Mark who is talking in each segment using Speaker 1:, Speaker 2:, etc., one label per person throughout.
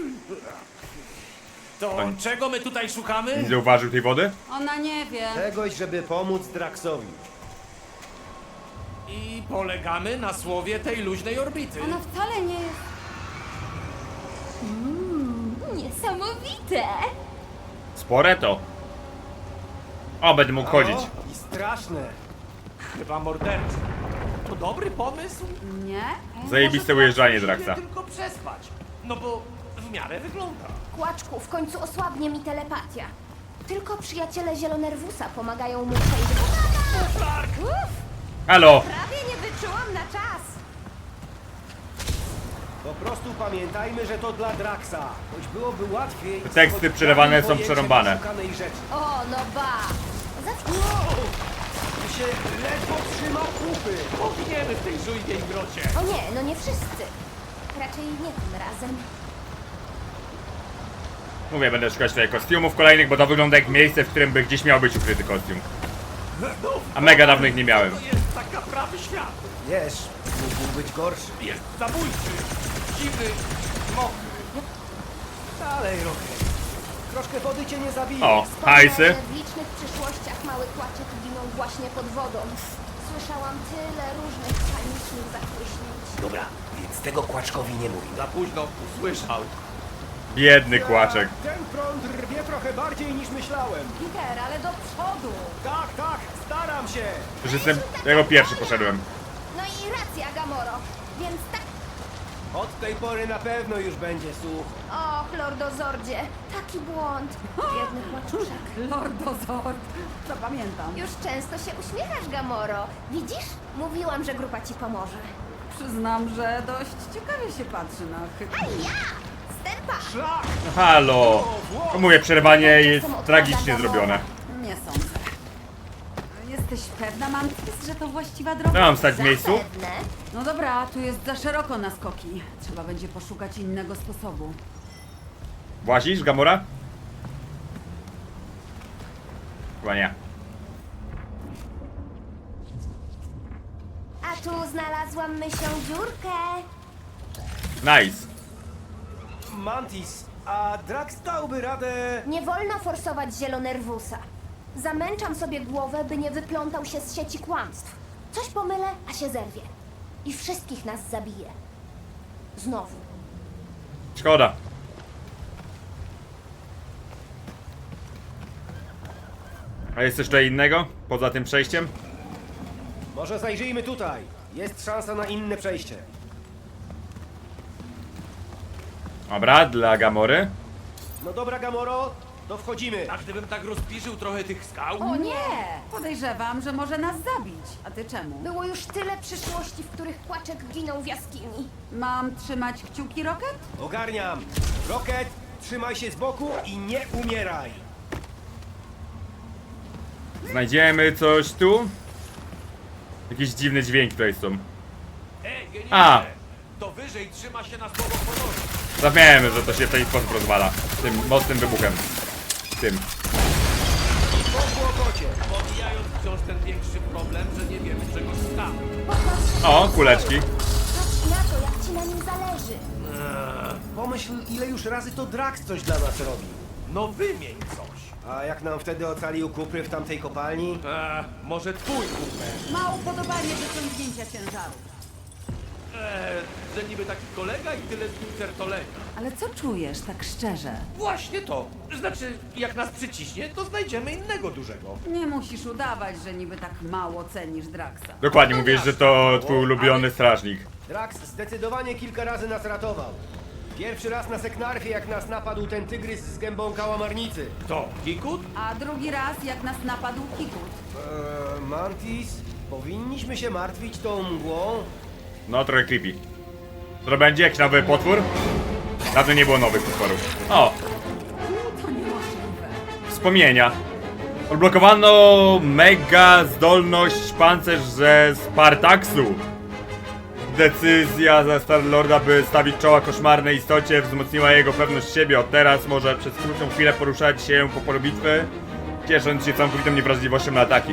Speaker 1: To czego my tutaj szukamy?
Speaker 2: Nie zauważył tej wody?
Speaker 3: Ona nie wie.
Speaker 4: Czegoś, żeby pomóc Draxowi.
Speaker 1: I polegamy na słowie tej luźnej orbity.
Speaker 3: Ona wcale nie jest.
Speaker 5: Niesamowite!
Speaker 2: Spore to. O, będę mógł chodzić.
Speaker 4: I straszne.
Speaker 1: Chyba morderczy. To dobry pomysł?
Speaker 3: Nie?
Speaker 2: Zajebiste ujeżdżanie
Speaker 1: Może
Speaker 2: Draxa.
Speaker 1: tylko przespać. No bo w miarę wygląda.
Speaker 5: Kłaczku, w końcu osłabnie mi telepatia. Tylko przyjaciele Zielonerwusa pomagają mu przejść. Uff,
Speaker 2: Halo!
Speaker 5: prawie nie wyczułam na czas.
Speaker 4: Po prostu pamiętajmy, że to dla Draxa. Choć byłoby łatwiej...
Speaker 2: Teksty
Speaker 4: choć
Speaker 2: przelewane
Speaker 4: dali
Speaker 2: są
Speaker 4: pojęcie
Speaker 2: przerąbane.
Speaker 4: poszukanej rzeczy.
Speaker 5: O, no ba. Zacznij.
Speaker 4: Tu się ledwo trzyma kupy.
Speaker 1: Poginiemy w tej żujnej grocie.
Speaker 5: O nie, no nie wszyscy. Raczej nie tym razem.
Speaker 2: Mówię, będę szukać tutaj kostiumów kolejnych, bo to wygląda jak miejsce, w którym by gdzieś miał być ukryty kostium. A mega dawno ich nie miałem.
Speaker 1: To jest taka prawy świat.
Speaker 4: Wiesz, mógł być gorszy.
Speaker 1: Jest zabójczy, dziwny, mokry.
Speaker 4: Dalej, Rocket. Troszkę wody cię nie zabije.
Speaker 2: O,
Speaker 5: Wspomnę,
Speaker 2: hajsy.
Speaker 5: że w licznych przyszłościach mały kłaczek giną właśnie pod wodą. Słyszałam tyle różnych panicznych zachłyśnięć.
Speaker 6: Dobra, więc tego Kłaczkowi nie mówi.
Speaker 1: Za późno usłyszał.
Speaker 2: Biedny kłaczek.
Speaker 4: Ten prąd rwie trochę bardziej niż myślałem.
Speaker 3: Peter, ale do przodu.
Speaker 4: Tak, staram się.
Speaker 2: Już jestem... Jako pierwszy poszedłem.
Speaker 5: No i racja, Gamoro. Więc tak...
Speaker 4: Od tej pory na pewno już będzie sucho.
Speaker 5: Och, Lordozordzie, taki błąd. Biedny kłaczuszek.
Speaker 3: Lordozord. Zapamiętam.
Speaker 5: Już często się uśmiechasz, Gamoro. Widzisz? Mówiłam, że grupa ci pomoże.
Speaker 3: Przyznam, że dość ciekawie się patrzy na
Speaker 5: A ja! Stępa!
Speaker 4: Szlak!
Speaker 2: No halo! To mówię, przerwanie jest tragicznie zrobione.
Speaker 3: Nie sądzę. Jesteś pewna, Mantis, że to właściwa droga?
Speaker 2: Ja mam stać w miejscu?
Speaker 5: Zapewne.
Speaker 3: No dobra, tu jest za szeroko na skoki. Trzeba będzie poszukać innego sposobu.
Speaker 2: Włazisz, Gamora? Chyba nie.
Speaker 5: A tu znalazłam mysią dziurkę.
Speaker 2: Nice.
Speaker 4: Mantis, a Drax dałby radę...
Speaker 5: Nie wolno forsować Zielonerwusa. Zamęczam sobie głowę, by nie wyplątał się z sieci kłamstw. Coś pomylę, a się zerwie. I wszystkich nas zabije. Znowu.
Speaker 2: Szkoda. A jest coś tutaj innego? Poza tym przejściem?
Speaker 4: Może zajrzyjmy tutaj. Jest szansa na inne przejście.
Speaker 2: Dobra, dla Gamory.
Speaker 4: No dobra, Gamoro, to wchodzimy.
Speaker 1: A gdybym tak rozpiżył trochę tych skał?
Speaker 3: O nie! Podejrzewam, że może nas zabić. A ty czemu?
Speaker 5: Było już tyle przyszłości, w których kłaczek ginął w jaskini.
Speaker 3: Mam trzymać kciuki, Rocket?
Speaker 4: Ogarniam. Rocket, trzymaj się z boku i nie umieraj.
Speaker 2: Znajdziemy coś tu? Jakieś dziwne dźwięki tutaj są.
Speaker 1: Genialne.
Speaker 2: A.
Speaker 1: To wyżej trzyma się na słowo honoru.
Speaker 2: Zapomniałem, że to się w ten sposób rozwala. Tym mocnym wybuchem. Tym.
Speaker 4: Po kłopocie.
Speaker 1: Pomijając wciąż ten większy problem, że nie wiemy czego szukamy.
Speaker 5: Popatrz,
Speaker 2: O, kuleczki.
Speaker 5: patrz na to, jak ci na nim zależy.
Speaker 4: Pomyśl, ile już razy to Drax coś dla nas robi.
Speaker 1: No wymień coś.
Speaker 4: A jak nam wtedy ocalił kupry w tamtej kopalni?
Speaker 1: Może twój kuper.
Speaker 3: Ma upodobanie do ciągnięcia ciężaru.
Speaker 1: Że niby taki kolega i tyle z nim certolenia.
Speaker 3: Ale co czujesz, tak szczerze?
Speaker 1: Właśnie to. Znaczy, jak nas przyciśnie, to znajdziemy innego dużego.
Speaker 3: Nie musisz udawać, że niby tak mało cenisz Draxa.
Speaker 2: Dokładnie, mówisz, że to twój ulubiony strażnik.
Speaker 4: Drax zdecydowanie kilka razy nas ratował. Pierwszy raz na Seknarfie, jak nas napadł ten tygrys z gębą kałamarnicy.
Speaker 1: To Kikut?
Speaker 3: A drugi raz, jak nas napadł Kikut.
Speaker 4: Mantis, powinniśmy się martwić tą mgłą?
Speaker 2: No, trochę creepy. Co to będzie? Jakiś nowy potwór? Dawno nie było nowych potworów. O!
Speaker 3: To niemożliwe.
Speaker 2: Wspomnienia. Odblokowano mega zdolność pancerz ze Spartaxu. Decyzja ze Star-Lorda, by stawić czoła koszmarnej istocie, wzmocniła jego pewność siebie. Od teraz może przez krótką chwilę poruszać się po polu bitwy, ciesząc się całkowitą niewrażliwością na ataki.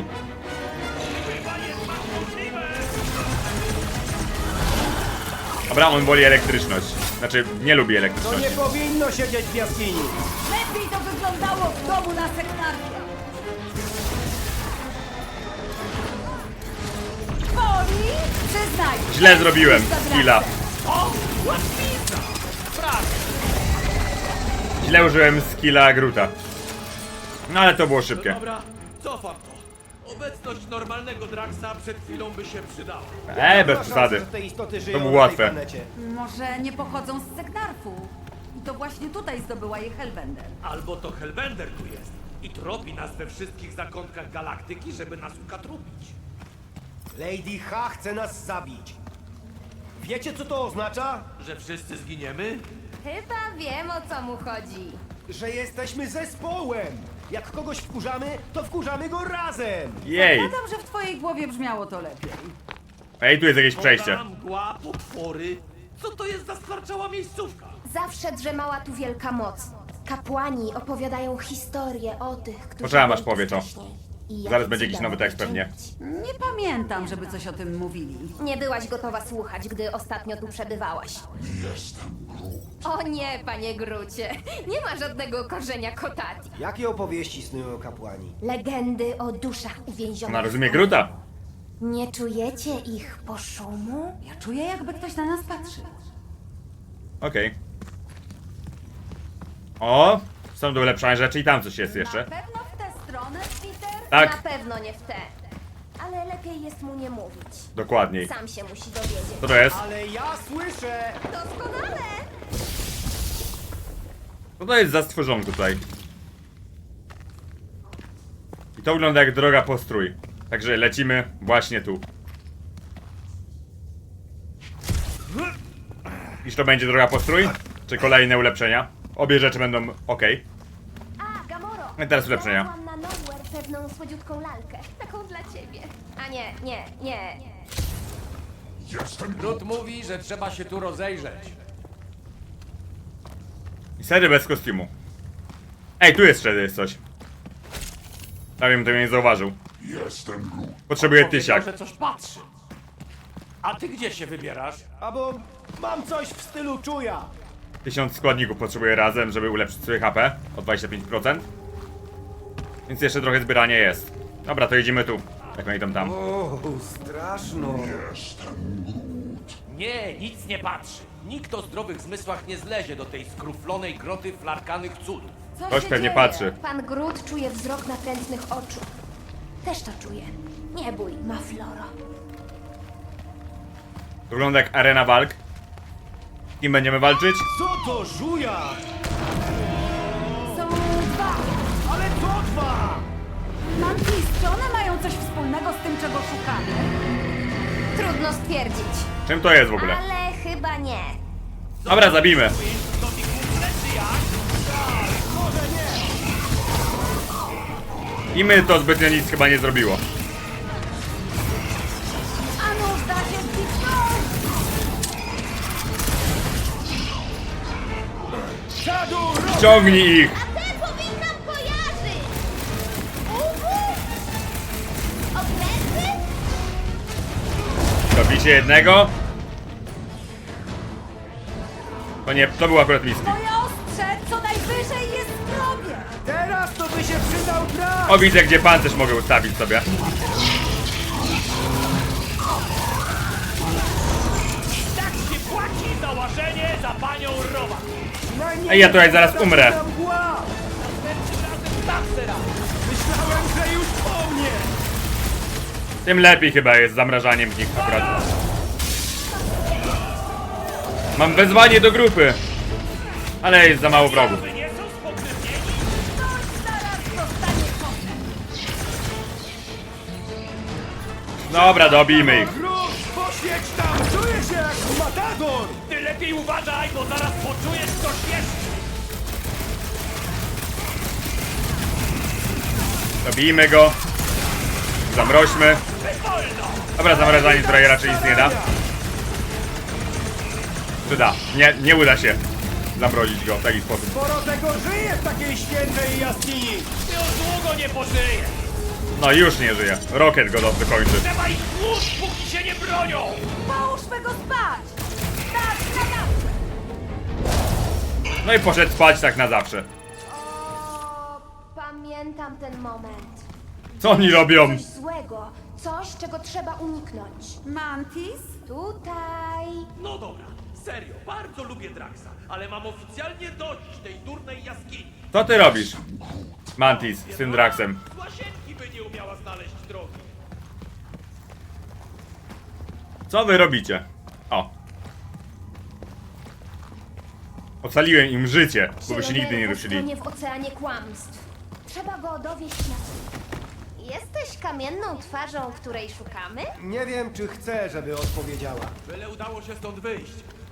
Speaker 2: Dobra, on woli elektryczność. Znaczy, nie lubi
Speaker 4: To nie
Speaker 2: elektryczności.
Speaker 4: powinno siedzieć w jaskini.
Speaker 3: Lepiej to wyglądało w domu na Seknarfia. Boli? Przyznaj.
Speaker 2: Źle zrobiłem, skilla.
Speaker 1: O, łatwizna! Prawie.
Speaker 2: Źle użyłem skilla Gruta. No ale to było szybkie.
Speaker 1: Dobra, cofam to. Obecność normalnego Draxa przed chwilą by się przydała.
Speaker 2: Bez
Speaker 4: Ma
Speaker 2: przesady.
Speaker 4: szansę, że te istoty żyją
Speaker 2: było
Speaker 4: na tej
Speaker 2: łatwe.
Speaker 4: planecie.
Speaker 3: Może nie pochodzą z Seknarfu. I to właśnie tutaj zdobyła je Hellbender.
Speaker 1: Albo to Hellbender tu jest i tropi nas we wszystkich zakątkach galaktyki, żeby nas ukatrupić.
Speaker 4: Lady H chce nas zabić. Wiecie, co to oznacza?
Speaker 1: Że wszyscy zginiemy?
Speaker 5: Chyba wiem, o co mu chodzi.
Speaker 4: Że jesteśmy zespołem. Jak kogoś wkurzamy, to wkurzamy go razem.
Speaker 2: Jej.
Speaker 3: Zakładam, że w twojej głowie brzmiało to lepiej.
Speaker 2: Ej, tu jest jakieś przejście.
Speaker 1: Woda, mgła, potwory. Co to jest za stwarczała miejscówka?
Speaker 5: Zawsze drzemała tu wielka moc. Kapłani opowiadają historię o tych, którzy
Speaker 2: Poczekam, aż
Speaker 5: byli tu
Speaker 2: powie to.
Speaker 5: wcześniej. I jakie
Speaker 2: Zaraz będzie jakiś
Speaker 5: cuda
Speaker 2: nowy tekst
Speaker 5: mogli
Speaker 2: pewnie.
Speaker 5: czynić.
Speaker 3: Nie pamiętam, żeby coś o tym mówili.
Speaker 5: Nie byłaś gotowa słuchać, gdy ostatnio tu przebywałaś. O nie, panie Grucie. Nie ma żadnego korzenia Kotati.
Speaker 4: Jakie opowieści snują kapłani?
Speaker 5: Legendy o duszach uwięzionych.
Speaker 2: Ona rozumie
Speaker 5: w
Speaker 2: Gruta.
Speaker 5: Nie czujecie ich poszumu?
Speaker 3: Ja czuję, jakby ktoś na nas patrzy.
Speaker 2: Okej. O! Są tu ulepszone rzeczy i tam coś jest jeszcze.
Speaker 3: Na pewno w tę stronę, Peter?
Speaker 2: Tak,
Speaker 5: Na pewno nie w te. Ale lepiej jest mu nie mówić.
Speaker 2: dokładniej.
Speaker 5: Sam się musi dowiedzieć.
Speaker 2: Co to jest?
Speaker 4: Ale ja słyszę!
Speaker 5: Doskonale!
Speaker 2: Co to jest za stworzonko tutaj? I to wygląda jak droga postrój. Także lecimy właśnie tu. Iż to będzie droga postrój? Czy kolejne ulepszenia? Obie rzeczy będą ok.
Speaker 5: A, Gamoro!
Speaker 2: I teraz ulepszenia.
Speaker 5: Znalazłam na Nowhere pewną słodziutką lalkę. Taką dla ciebie. A nie.
Speaker 1: Grut mówi, że trzeba się tu rozejrzeć.
Speaker 2: I sery bez kostiumu. Ej, tu jest jest coś. Ja wiem, to mnie nie zauważył. Potrzebuję tysiak.
Speaker 1: Powiedział, że coś patrzy. A ty gdzie się wybierasz?
Speaker 4: Albo mam coś w stylu czuja.
Speaker 2: 1000 składników potrzebuję razem, żeby ulepszyć sobie HP o 25%. Więc jeszcze trochę zbierania jest. Dobra, to jedziemy tu. Jak oni tam.
Speaker 4: O, straszno.
Speaker 1: Nie, nic nie patrzy. Nikt o zdrowych zmysłach nie zlezie do tej skruflonej groty flarkanych cudów.
Speaker 3: Co
Speaker 2: Ktoś
Speaker 3: się
Speaker 2: pewnie
Speaker 3: dzieje?
Speaker 2: patrzy.
Speaker 5: Pan Grut czuje wzrok natrętnych oczu. Też to czuję. Nie bój, ma Floro.
Speaker 2: Wygląda jak arena walk. Z kim będziemy walczyć?
Speaker 4: Co to żuja?
Speaker 3: Są dwa.
Speaker 4: Ale co dwa?
Speaker 3: Mantis, czy one mają coś wspólnego z tym, czego szukamy?
Speaker 5: Trudno stwierdzić.
Speaker 2: Czym to jest w ogóle?
Speaker 5: Ale chyba nie.
Speaker 2: Dobra, zabijmy.
Speaker 1: To mi kumple, czy jak?
Speaker 2: I my to zbytnio nic chyba nie zrobiło.
Speaker 3: A nuż da się zniknąć!
Speaker 4: Dziadu,
Speaker 2: Ciągnij ich!
Speaker 5: A te powinnam kojarzyć! Okręty?
Speaker 2: Dobicie jednego. To nie, to był akurat miski.
Speaker 3: Moje ostrze co najwyżej jest w grobie!
Speaker 4: teraz to by się przydał brak.
Speaker 2: O, widzę, gdzie pancerz mogę ustawić sobie.
Speaker 1: Tak się płaci za łażenie za panią Rowa.
Speaker 2: Ej, ja tutaj zaraz umrę.
Speaker 4: Mgła.
Speaker 1: Następnym razem tak teraz.
Speaker 4: Myślałem, że już po mnie.
Speaker 2: Tym lepiej chyba jest z zamrażaniem w nich akurat. Mam wezwanie do grupy. Ale jest za mało wrogów.
Speaker 1: Wy nie są spokrewnieni?
Speaker 3: Ktoś zaraz dostanie kotem!
Speaker 2: Dobra, dobijmy ich.
Speaker 4: Gruz, poświeć tam. Czuję się jak matador.
Speaker 1: Ty lepiej uważaj, bo zaraz poczujesz coś jeszcze.
Speaker 2: Dobijmy go. Zamroźmy.
Speaker 1: Wolno!
Speaker 2: Dobra, zamrażanie tutaj raczej nic nie da. Czy da? Nie uda się zamrozić go w taki sposób.
Speaker 4: Sporo tego żyje w takiej świętej jaskini.
Speaker 1: Ty już długo nie pożyjesz.
Speaker 2: No i już nie żyje. Rocket go dokończy.
Speaker 1: Trzeba ich tłuc, póki się nie bronią.
Speaker 3: Połóżmy go spać! Tak
Speaker 2: No i poszedł spać tak na zawsze.
Speaker 5: O, pamiętam ten moment.
Speaker 2: Co oni robią?
Speaker 5: Coś złego, coś, czego trzeba uniknąć.
Speaker 3: Mantis?
Speaker 5: Tutaj.
Speaker 1: No dobra, serio, bardzo lubię Draxa, ale mam oficjalnie dość tej durnej jaskini.
Speaker 2: Co ty robisz? Mantis z tym Draxem.
Speaker 1: Z łazienki by nie umiała znaleźć drogi.
Speaker 2: Co wy robicie? O. Ocaliłem im życie, bo by się nigdy nie
Speaker 5: Zielonerwus
Speaker 2: ruszyli.
Speaker 5: tonie w oceanie kłamstw. Trzeba go dowieść na... Jesteś kamienną twarzą, której szukamy?
Speaker 4: Nie wiem, czy chcę, żeby odpowiedziała.
Speaker 1: Byle udało się stąd wyjść.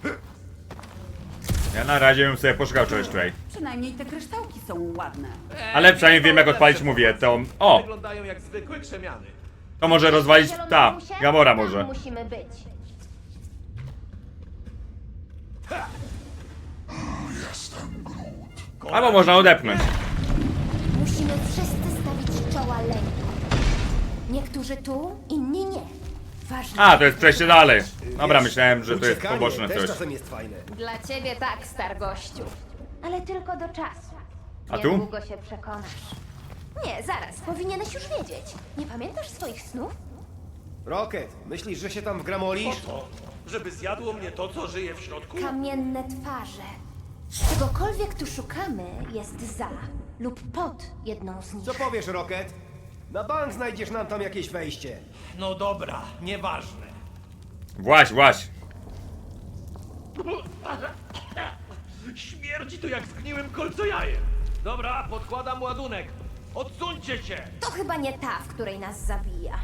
Speaker 2: Ja na razie bym sobie poszukał czegoś tutaj.
Speaker 3: Przynajmniej te kryształki są ładne.
Speaker 2: Ale przynajmniej wiem jak odpalić, mówię, to... O!
Speaker 1: Wyglądają jak zwykłe krzemiany.
Speaker 2: To może rozwalić... Ta,
Speaker 5: Zielonerwusie?
Speaker 2: Gamora
Speaker 5: Tam
Speaker 2: może.
Speaker 5: musimy być.
Speaker 2: Albo można odepchnąć.
Speaker 5: Musimy wszyscy stawić czoła lęku. Niektórzy tu, inni nie. Ważne.
Speaker 2: A, to jest przejście dalej. Dobra,
Speaker 4: Wiesz,
Speaker 2: myślałem, że to jest
Speaker 4: uciekanie
Speaker 2: poboczne
Speaker 4: też
Speaker 2: coś.
Speaker 4: czasem jest fajne.
Speaker 5: Dla ciebie tak, stargościu. Ale tylko do czasu.
Speaker 2: A tu?
Speaker 5: Niedługo się przekonasz. Nie, zaraz, powinieneś już wiedzieć. Nie pamiętasz swoich snów?
Speaker 4: Rocket, myślisz, że się tam wgramolisz?
Speaker 1: Po to, żeby zjadło mnie to, co żyje w środku?
Speaker 5: Kamienne twarze. Czegokolwiek tu szukamy jest za lub pod jedną z nich.
Speaker 4: Co powiesz, Rocket? Na bank znajdziesz nam tam jakieś wejście.
Speaker 1: No dobra, nieważne.
Speaker 2: Właź, właź.
Speaker 1: Śmierdzi tu jak zgniłym kolcojajem. Dobra, podkładam ładunek. Odsuńcie się!
Speaker 5: To chyba nie ta, w której nas zabija.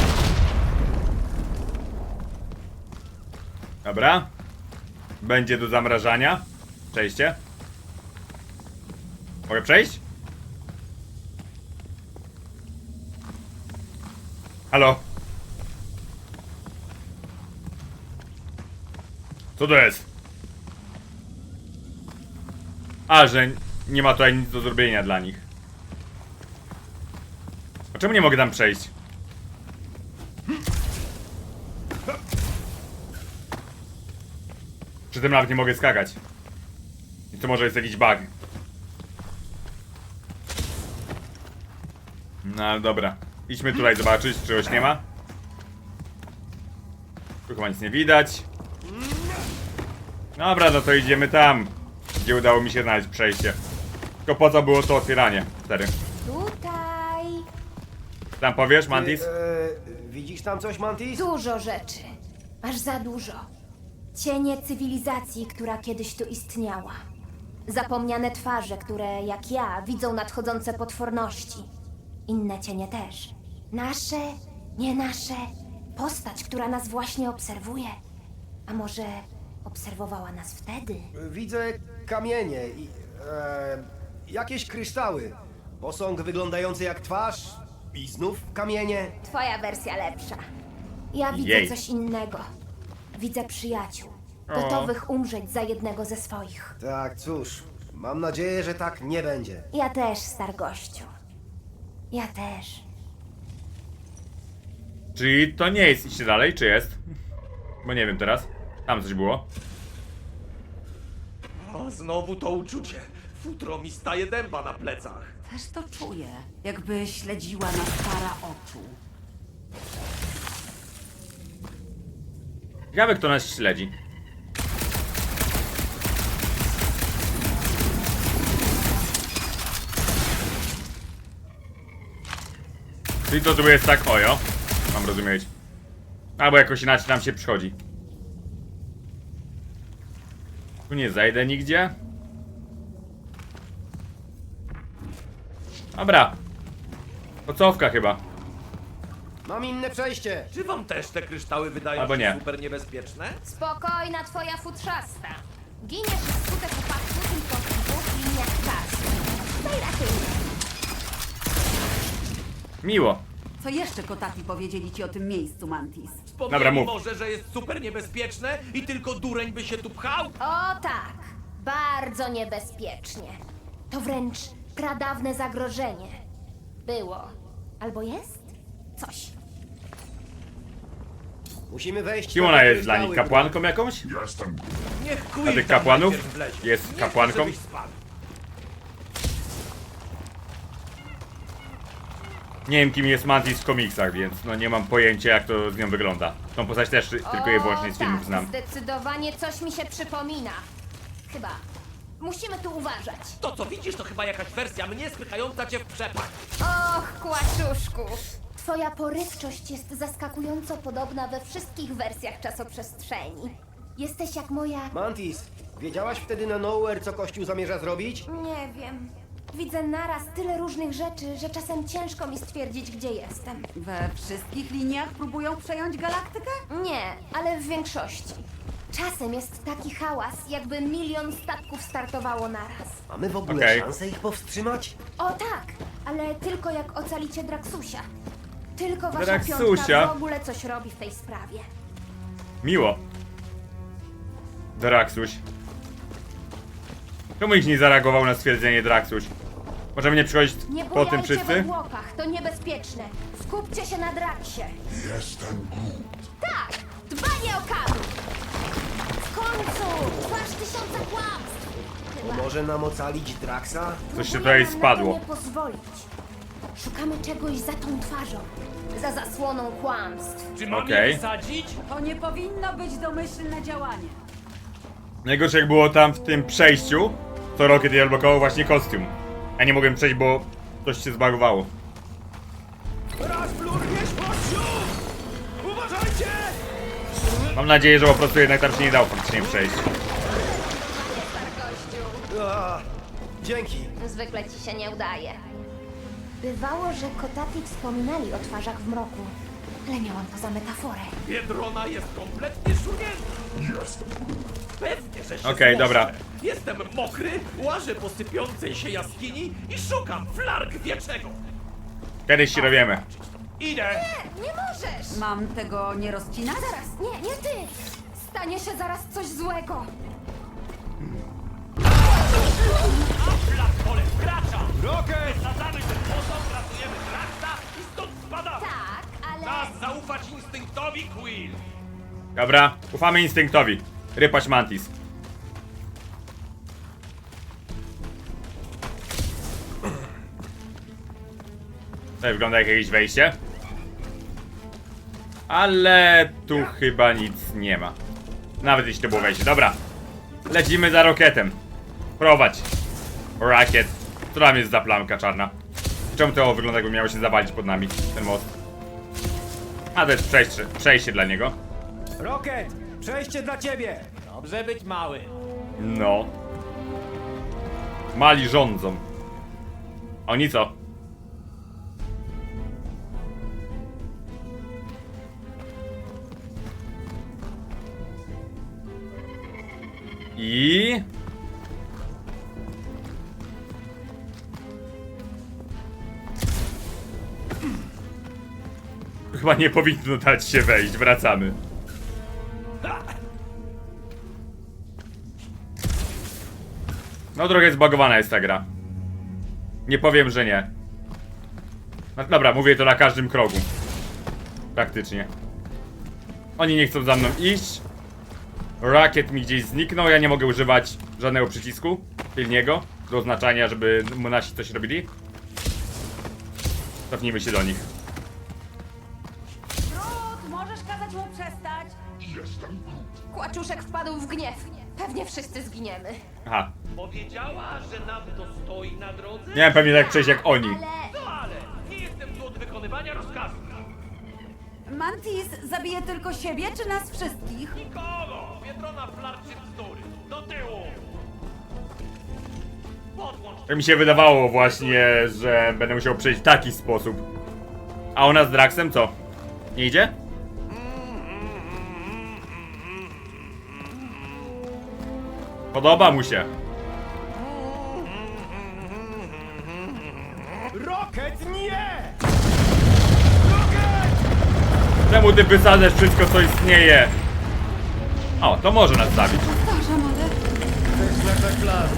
Speaker 2: Dobra. Będzie do zamrażania. Przejście. Mogę przejść? Halo? Co to jest? A, że nie ma tutaj nic do zrobienia dla nich. A czemu nie mogę tam przejść? Przy tym nawet nie mogę skakać. I to może jest jakiś bug. No ale dobra. Idźmy tutaj zobaczyć, czy czegoś nie ma. Tu chyba nic nie widać. Dobra, no to idziemy tam, gdzie udało mi się znaleźć przejście. Tylko po co było to otwieranie? Stary.
Speaker 5: Tutaj
Speaker 2: Tam powiesz, Mantis?
Speaker 4: Widzisz tam coś, Mantis?
Speaker 5: dużo rzeczy. Aż za dużo. Cienie cywilizacji, która kiedyś tu istniała. Zapomniane twarze, które, jak ja, widzą nadchodzące potworności. Inne cienie też. Nasze, nie nasze. Postać, która nas właśnie obserwuje. A może obserwowała nas wtedy?
Speaker 4: Widzę kamienie i jakieś kryształy. Posąg wyglądający jak twarz i znów kamienie.
Speaker 5: Twoja wersja lepsza. Ja widzę
Speaker 2: Jej.
Speaker 5: coś innego. Widzę przyjaciół. Gotowych umrzeć za jednego ze swoich.
Speaker 4: Tak, cóż, mam nadzieję, że tak nie będzie.
Speaker 5: Ja też, stargościu. Ja też.
Speaker 2: Czyli to nie jest iść dalej, czy jest? Bo nie wiem teraz. Tam coś było.
Speaker 1: O, znowu to uczucie. Futro mi staje dęba na plecach.
Speaker 3: Też to czuję, jakby śledziła nas para oczu.
Speaker 2: Ciekawe, kto nas śledzi. Czyli to tu jest tak, ojo. Mam rozumieć. Albo jakoś inaczej nam się przychodzi. Tu nie zajdę nigdzie. Dobra. To cofka chyba.
Speaker 4: Mam inne przejście.
Speaker 1: Czy wam też te kryształy wydają
Speaker 2: Albo
Speaker 1: się
Speaker 2: nie.
Speaker 1: super niebezpieczne?
Speaker 5: Spokojna twoja futrzasta. Giniesz wskutek upadku tylko w dwóch liniach czasu. Tutaj raczej nie.
Speaker 2: Miło.
Speaker 3: Co jeszcze kotaki powiedzieli ci o tym miejscu, Mantis?
Speaker 2: Dobra,
Speaker 1: Wspomnieli
Speaker 2: mów.
Speaker 1: może, że jest super niebezpieczne i tylko dureń by się tu pchał?
Speaker 5: O tak, bardzo niebezpiecznie. To wręcz pradawne zagrożenie. Było. Albo jest? Coś.
Speaker 4: Musimy wejść
Speaker 2: Kim
Speaker 4: na
Speaker 2: ona
Speaker 4: te
Speaker 2: jest dla
Speaker 4: kryształy,
Speaker 2: nich? Kapłanką jakąś?
Speaker 1: Nie Niech
Speaker 2: A
Speaker 1: Quill
Speaker 2: tych
Speaker 1: tam
Speaker 2: kapłanów?
Speaker 1: najpierw wlezie.
Speaker 2: Jest
Speaker 1: Nie chcę,
Speaker 2: kapłanką?
Speaker 1: żebyś spadł.
Speaker 2: Nie wiem kim jest Mantis w komiksach, więc no nie mam pojęcia jak to z nią wygląda. Tą postać też tylko i wyłącznie z filmów
Speaker 5: tak,
Speaker 2: znam.
Speaker 5: zdecydowanie coś mi się przypomina. Chyba. Musimy tu uważać.
Speaker 1: To co widzisz to chyba jakaś wersja mnie spychająca cię w przepaść.
Speaker 5: Och, kłaczuszku. Twoja porywczość jest zaskakująco podobna we wszystkich wersjach czasoprzestrzeni. Jesteś jak moja...
Speaker 4: Mantis, wiedziałaś wtedy na Nowhere, co Kościół zamierza zrobić?
Speaker 5: Nie wiem. Widzę naraz tyle różnych rzeczy, że czasem ciężko mi stwierdzić, gdzie jestem.
Speaker 3: We wszystkich liniach próbują przejąć galaktykę?
Speaker 5: Nie, ale w większości. Czasem jest taki hałas, jakby 1 milion statków startowało naraz.
Speaker 4: Mamy w ogóle
Speaker 2: Okej.
Speaker 4: szansę ich powstrzymać?
Speaker 5: O tak, ale tylko jak ocalicie Draxusia. Tylko wasza
Speaker 2: Draxusia?
Speaker 5: piątka w ogóle coś robi w tej sprawie.
Speaker 2: Miło. Draxuś. Czemu ich nie zareagował na stwierdzenie Draxuś? Możemy nie przychodzić
Speaker 5: Nie
Speaker 2: po tym
Speaker 5: bujajcie we
Speaker 2: wszyscy?
Speaker 5: Włochach, to niebezpieczne. Skupcie się na Draxie.
Speaker 7: Jestem Groot.
Speaker 5: Tak, dbanie o kadr. W końcu, twarz tysiąca kłamstw. Chyba.
Speaker 4: Może nam ocalić Draxa?
Speaker 2: Coś się
Speaker 5: Próbuję
Speaker 2: tutaj
Speaker 5: nam
Speaker 2: spadło.
Speaker 5: Na to nie pozwolić. Szukamy czegoś za tą twarzą. Za zasłoną kłamstw.
Speaker 1: Czy mam
Speaker 2: Okej.
Speaker 1: je wysadzić?
Speaker 3: To nie powinno być domyślne działanie.
Speaker 2: Najgorsze jak było tam w tym przejściu, to Rocket je odblokował właśnie kostium. Ja nie mogłem przejść, bo coś się zbagowało.
Speaker 1: Rozplurniesz pościu! Uważajcie!
Speaker 2: Mam nadzieję, że po prostu jednak tam się nie dało faktycznie przejść.
Speaker 4: Dzięki.
Speaker 5: Zwykle ci się nie udaje. Bywało, że Kotati wspominali o twarzach w mroku, ale miałam to za metaforę.
Speaker 1: Biedrona jest kompletnie szurnięta. Pewnie, że się
Speaker 2: Okej,
Speaker 1: zmożę.
Speaker 2: dobra.
Speaker 1: Jestem mokry, łażę po sypiącej się jaskini i szukam flark wieczego.
Speaker 2: Kiedyś się dowiemy.
Speaker 1: Idę!
Speaker 5: Nie możesz!
Speaker 3: Mam tego nie rozcinać?
Speaker 5: Zaraz, nie ty! Stanie się zaraz coś złego.
Speaker 1: Flark pole wkracza!
Speaker 4: Rocket!
Speaker 1: Wysadzamy ten posąg, ratujemy Draxa i stąd spadamy!
Speaker 5: Tak, ale...
Speaker 1: Czas zaufać instynktowi, Quill!
Speaker 2: Dobra, ufamy instynktowi. Rypać Mantis. Tutaj wygląda jak jakieś wejście. Ale tu chyba nic nie ma. Nawet jeśli to było wejście. Dobra. Lecimy za Rocketem. Prowadź. Rocket. Co tam jest za plamka czarna? Czemu to wygląda jakby miało się zawalić pod nami? Ten most. A to jest przejście dla niego.
Speaker 4: Rocket! Przejście dla ciebie!
Speaker 1: Dobrze być mały.
Speaker 2: No. Mali rządzą. Oni co? I... Chyba nie powinno dać się wejść, wracamy. No trochę zbagowana jest ta gra. Nie powiem, że nie. No, dobra, mówię to na każdym kroku. Praktycznie. Oni nie chcą za mną iść. Rocket mi gdzieś zniknął, ja nie mogę używać żadnego przycisku tylniego do oznaczania, żeby mu nasi coś robili. Cofnijmy się do nich.
Speaker 3: Groot, możesz kazać mu przestać?
Speaker 7: Jestem Groot.
Speaker 5: Kłaczuszek wpadł w gniew. Pewnie wszyscy zginiemy.
Speaker 2: Aha.
Speaker 1: Powiedziała, że nam to stoi na drodze?
Speaker 2: Miałem pewnie tak przejść jak oni.
Speaker 5: Ale...
Speaker 1: No ale nie jestem tu od wykonywania rozkazów.
Speaker 3: Mantis zabije tylko siebie, czy nas wszystkich?
Speaker 1: Nikogo! Biedrona flarczy bzdury. Do tyłu! Podłącz
Speaker 2: Tak mi się wydawało właśnie, że będę musiał przejść w taki sposób. A ona z Draxem co? Nie idzie? Podoba mu się.
Speaker 4: Rocket, nie!
Speaker 2: Czemu ty wysadzasz wszystko, co istnieje? O, to może nas zabić.
Speaker 3: Powtarzam, ale...
Speaker 4: To jest nasz plan.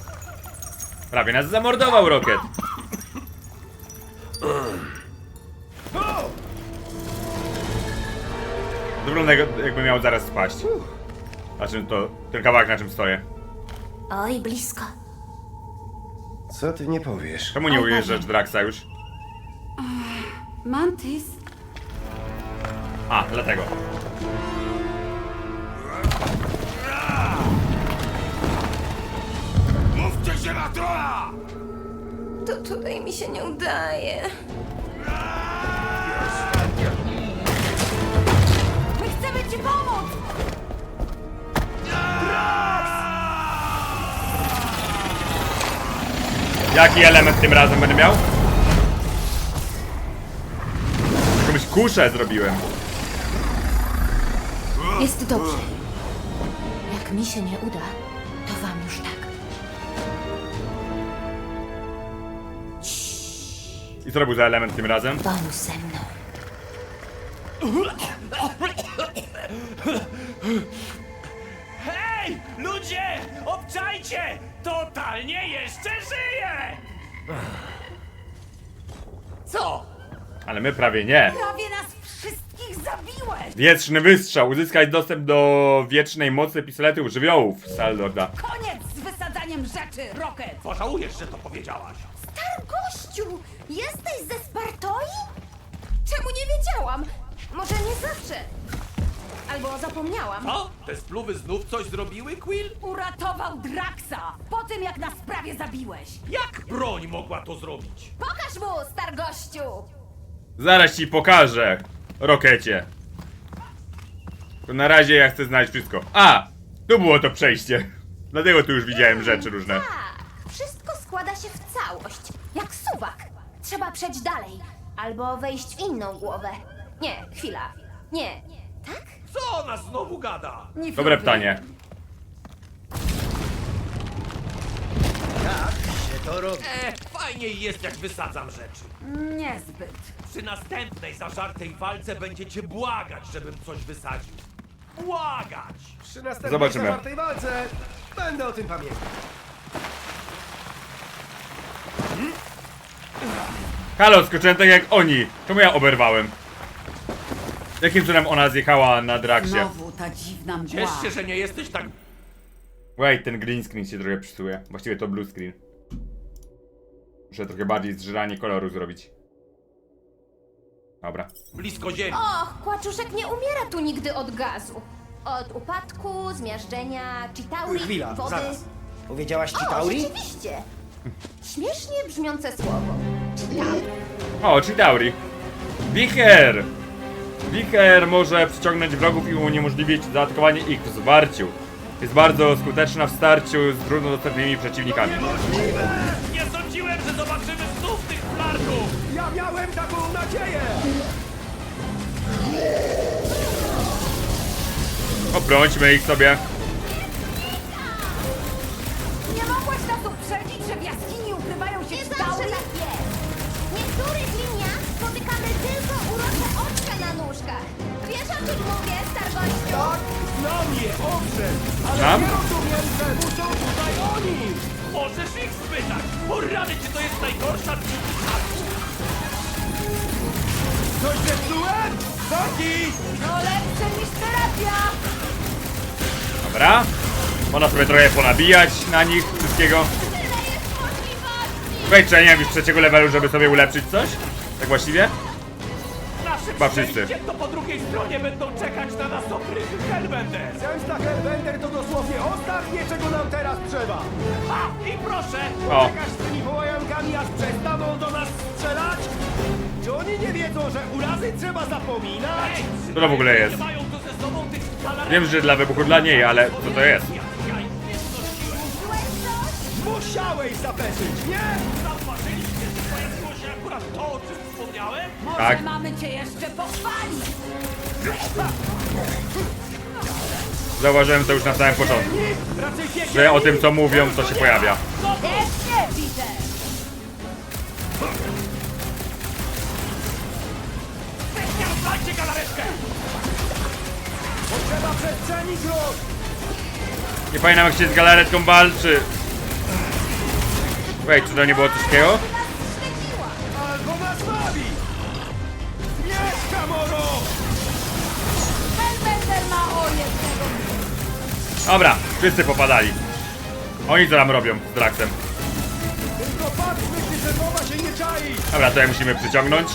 Speaker 2: Prawie nas zamordował Rocket. wygląda jakby miał zaraz spaść. Na czym to... ten kawałek, na czym stoję.
Speaker 5: Oj, blisko.
Speaker 4: Co ty nie powiesz?
Speaker 2: Czemu nie ujeżdżasz Draxa już?
Speaker 3: Mantis?
Speaker 2: A, dlatego.
Speaker 1: Mówcie się na trola!
Speaker 5: To tutaj mi się nie udaje.
Speaker 3: My chcemy ci pomóc!
Speaker 2: Jaki element tym razem będę miał? Jakąś kuszę zrobiłem.
Speaker 5: Jest dobrze. Jak mi się nie uda, to wam już tak.
Speaker 2: I co robił za element tym razem?
Speaker 5: Pomóż ze mną.
Speaker 1: Hej! Ludzie! Obczajcie! Totalnie jeszcze żyje! Co?
Speaker 2: Ale my prawie nie.
Speaker 3: Prawie nas wszystkich zabiłeś!
Speaker 2: Wieczny wystrzał. Uzyskać dostęp do wiecznej mocy pistoletów żywiołów Saldorda.
Speaker 3: Koniec z wysadzaniem rzeczy, Rocket!
Speaker 1: Pożałujesz, że to powiedziałaś.
Speaker 5: Gościu, jesteś ze Spartoi? Czemu nie wiedziałam? Może nie zawsze. Albo zapomniałam.
Speaker 1: Co? Te spluwy znów coś zrobiły, Quill?
Speaker 3: Uratował Draxa po tym, jak nas prawie zabiłeś!
Speaker 1: Jak broń mogła to zrobić?
Speaker 5: Pokaż mu, stargościu!
Speaker 2: Zaraz ci pokażę, Rokecie. To na razie ja chcę znać wszystko. A! Tu było to przejście. Dlatego tu już widziałem rzeczy różne.
Speaker 5: Tak, wszystko składa się w całość. Jak suwak. Trzeba przejść dalej. Albo wejść w inną głowę. Nie, chwila. Nie. Tak?
Speaker 1: Co ona znowu gada?
Speaker 3: Nie
Speaker 2: Dobre
Speaker 3: fiuty.
Speaker 2: pytanie.
Speaker 4: Jak się to robi?
Speaker 1: Fajniej jest, jak wysadzam rzeczy.
Speaker 3: Niezbyt.
Speaker 1: Przy następnej zażartej walce będziecie błagać, żebym coś wysadził. Błagać!
Speaker 4: Przy następnej
Speaker 2: Zobaczymy.
Speaker 4: zawartej walce będę o tym pamiętał.
Speaker 2: Halo, skoczyłem tak jak oni. Czemu ja oberwałem? Jakim cudem ona zjechała na Draxie?
Speaker 3: Znowu ta dziwna mgła.
Speaker 1: Ciesz się, że nie jesteś tak...
Speaker 2: Wait, ten green screen się trochę psuje. Właściwie to blue screen. Muszę trochę bardziej zżyranie koloru zrobić. Dobra.
Speaker 1: blisko ziemi.
Speaker 5: Och, Kłaczuszek nie umiera tu nigdy od gazu. Od upadku, zmiażdżenia, chitauri,
Speaker 4: Chwila,
Speaker 5: wody.
Speaker 4: zaraz. Powiedziałaś ci
Speaker 5: O,
Speaker 4: Tauri?
Speaker 5: rzeczywiście. Śmiesznie brzmiące słowo.
Speaker 2: O, Chitauri. Wicher! Wicher może przyciągnąć wrogów i uniemożliwić zaatakowanie ich w zwarciu. Jest bardzo skuteczna w starciu z trudno dostępnymi przeciwnikami.
Speaker 1: Nie sądziłem, że zobaczymy znów tych flarków!
Speaker 4: Ja miałem taką nadzieję!
Speaker 2: Obrońmy ich sobie.
Speaker 3: Nie mogłaś nas uprzedzić, że w jaskini ukrywają się
Speaker 5: Nie zawsze
Speaker 3: Chitauri?
Speaker 5: tak jest. W niektórych liniach spotykamy tylko urocze oczka na nóżkach. Wiesz, o czym mówię, stargościu?
Speaker 4: Tak, znam je, owszem, ale
Speaker 2: Znam?
Speaker 4: nie rozumiem, czemu są tutaj oni!
Speaker 1: Możesz ich spytać! O rany, czy to jest najgorsza dniówka?
Speaker 4: Coś zepsułem? Zoki!
Speaker 3: No lepsze niż terapia!
Speaker 2: Dobra. Można sobie trochę ponabijać na nich wszystkiego.
Speaker 5: Tyle jest możliwości!
Speaker 2: Wejdź, czy ja nie wiem już trzeciego levelu, żeby sobie ulepszyć coś? Tak właściwie?
Speaker 1: Nasze
Speaker 2: Chyba wszyscy.
Speaker 1: przejście to po drugiej stronie będą czekać na nas oprychy Hellbender!
Speaker 4: Zemsta Hellbender to dosłownie ostatnie, czego nam teraz trzeba!
Speaker 1: A, i proszę!
Speaker 2: O.
Speaker 4: Czekasz z tymi wołajankami, aż przestaną do nas strzelać? Czy oni nie wiedzą, że urazy trzeba zapominać?
Speaker 1: Ej,
Speaker 2: Co to w ogóle jest?
Speaker 1: nie mają tu ze sobą tych galaretów.
Speaker 2: Wiem, że dla wybuchu dla niej, ale co to jest?
Speaker 1: Ja ich nie znosiłem.
Speaker 4: Musiałeś zapeszyć, nie?
Speaker 1: Zauważyliście, że pojawiło się akurat to, o czym wspomniałem?
Speaker 3: Może
Speaker 2: Tak.
Speaker 3: mamy cię jeszcze pochwalić!
Speaker 2: Zauważyłem to już na samym początku.
Speaker 4: Raczej piekielni!
Speaker 2: Że o tym co mówią, to się pojawia.
Speaker 3: Też nie widzę!
Speaker 1: Dajcie galaretkę!
Speaker 4: Potrzeba przestrzeni, Groot!
Speaker 2: Nie pamiętam jak się z galaretką walczy. Wejdź, czy to nie było coś takiego?
Speaker 4: Albo nas bawi! Nie, Kamoro!
Speaker 3: Hellbender!
Speaker 2: Dobra, wszyscy popadali. Oni co tam robią z Draxem?
Speaker 4: Tylko patrzmy, czy szefowa się nie czai!
Speaker 2: Dobra, to ja musimy przyciągnąć.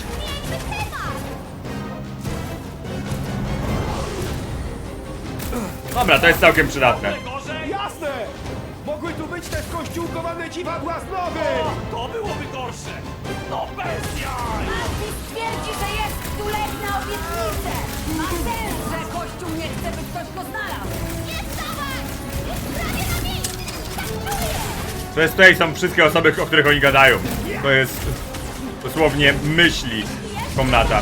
Speaker 2: Dobra, to jest całkiem przydatne.
Speaker 1: Gorzej?
Speaker 4: Jasne! Mogły tu być też kościółkowane dziwadła z nowy!
Speaker 1: O, to byłoby gorsze! No bez jaj!
Speaker 3: Twierdzi, że jest stuletna obietnica! Ma sens, że Kościół nie chce, by ktoś go znalazł!
Speaker 2: To jest tutaj są wszystkie osoby, o których oni gadają. To jest dosłownie myśli komnata.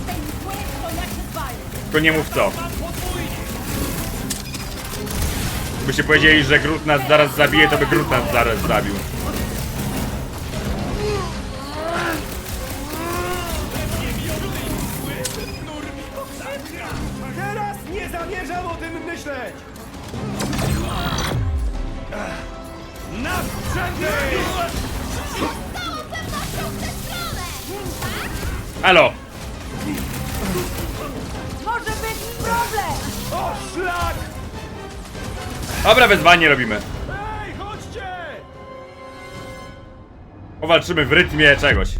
Speaker 2: Tylko nie mów co. Gdybyście powiedzieli, że Groot nas zaraz zabije, to by Groot nas zaraz zabił.
Speaker 4: Teraz nie zamierzam o tym myśleć! Na sprzęty!
Speaker 2: Halo!
Speaker 3: Może być problem!
Speaker 4: O szlak!
Speaker 2: Dobra, wezwanie robimy.
Speaker 4: Ej, chodźcie!
Speaker 2: Powalczymy w rytmie czegoś.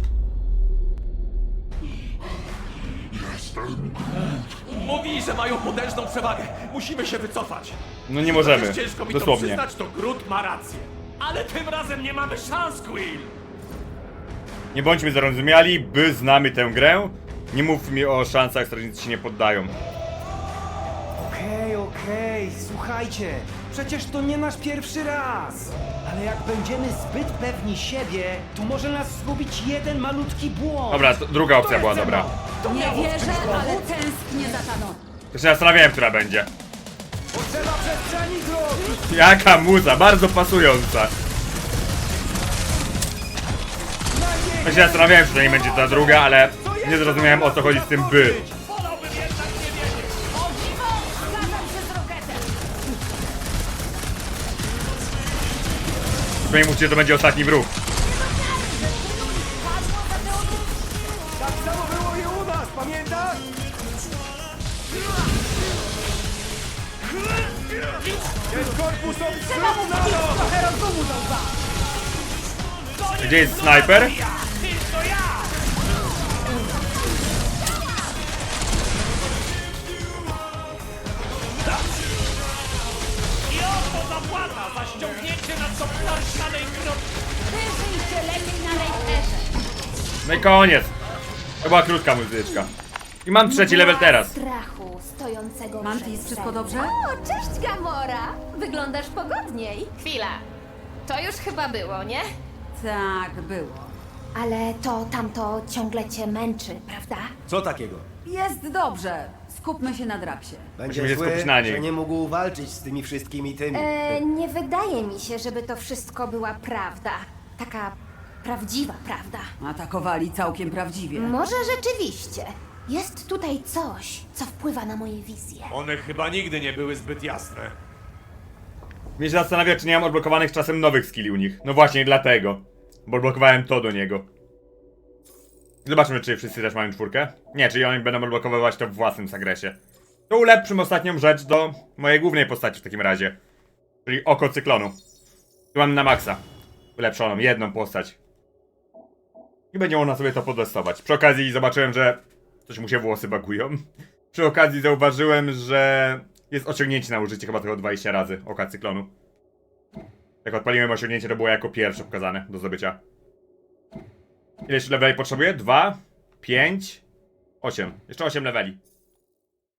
Speaker 1: Mówi, że mają potężną przewagę. Musimy się wycofać.
Speaker 2: No nie możemy.
Speaker 1: Chociaż ciężko mi to
Speaker 2: Dosłownie.
Speaker 1: przyznać, to Groot ma rację. Ale tym razem nie mamy szans, Quill!
Speaker 2: Nie bądźmy zarozumiali, by znamy tę grę. Nie mów mi o szansach, strażnicy się nie poddają.
Speaker 4: Okej, słuchajcie. Przecież to nie nasz pierwszy raz. Ale jak będziemy zbyt pewni siebie, to może nas zgubić jeden malutki błąd.
Speaker 2: Dobra, to druga opcja
Speaker 4: To
Speaker 2: była
Speaker 4: jest
Speaker 2: dobra.
Speaker 4: ze mną.
Speaker 3: Nie wierzę, ale tęsknię za Thanosem.
Speaker 2: To się zastanawiałem, która będzie.
Speaker 4: Potrzeba przestrzeni, Groot!
Speaker 2: Jaka muza, bardzo pasująca. Ja się zastanawiałem, czy to nie będzie ta druga, ale nie zrozumiałem, o co chodzi z tym by.
Speaker 1: Wolałbym jednak nie wiedzieć.
Speaker 3: O dziwo! Zgadzam się z Rocketem!
Speaker 2: Przynajmniej mówcie, że to będzie ostatni wróg.
Speaker 4: Tak samo było i u nas, pamiętasz? Ten korpus
Speaker 3: Trzeba mu
Speaker 4: obstrudna!
Speaker 3: wbić trochę rozumu do łba!
Speaker 2: Gdzie jest snajper?
Speaker 1: Tylko ja! I oto zapłata za ściągnięcie na co planszanej kropki.
Speaker 3: Wyżyjcie lepiej na rejterze!
Speaker 2: No i koniec. To była krótka muzyczka. I mam trzeci level teraz.
Speaker 5: Strachu stojącego
Speaker 3: Mantis,
Speaker 5: przed
Speaker 3: wszystko
Speaker 5: sercem.
Speaker 3: dobrze?
Speaker 5: O, cześć Gamora! Wyglądasz pogodniej.
Speaker 8: Chwila. To już chyba było, nie?
Speaker 3: Tak, było.
Speaker 5: Ale to tamto ciągle cię męczy, prawda?
Speaker 4: Co takiego?
Speaker 3: Jest dobrze. Skupmy się na Draxie.
Speaker 4: Będzie
Speaker 2: Musimy się skupić na niej.
Speaker 4: że nie mógł walczyć z tymi wszystkimi tymi.
Speaker 5: Nie wydaje mi się, żeby to wszystko była prawda. Taka prawdziwa prawda.
Speaker 3: Atakowali całkiem prawdziwie.
Speaker 5: Może rzeczywiście. Jest tutaj coś, co wpływa na moje wizje.
Speaker 1: One chyba nigdy nie były zbyt jasne.
Speaker 2: Mnie się zastanawia, czy nie mam odblokowanych czasem nowych skilli u nich. No właśnie, dlatego. Bo odblokowałem to do niego. Zobaczmy, czy wszyscy też mają czwórkę. Nie, czyli oni będą odblokowywać to w własnym zagresie. To ulepszym ostatnią rzecz do mojej głównej postaci w takim razie. Czyli oko cyklonu. Tu mam na maksa. Ulepszoną, jedną postać. I będzie można sobie to potestować. Przy okazji zobaczyłem, że coś mu się włosy bagują. Przy okazji zauważyłem, że jest osiągnięcie na użycie chyba tylko 20 razy oka cyklonu. Jak odpaliłem osiągnięcie, to było jako pierwsze pokazane do zdobycia. Ile jeszcze leveli potrzebuję? 2, 5, 8. Jeszcze 8 leveli.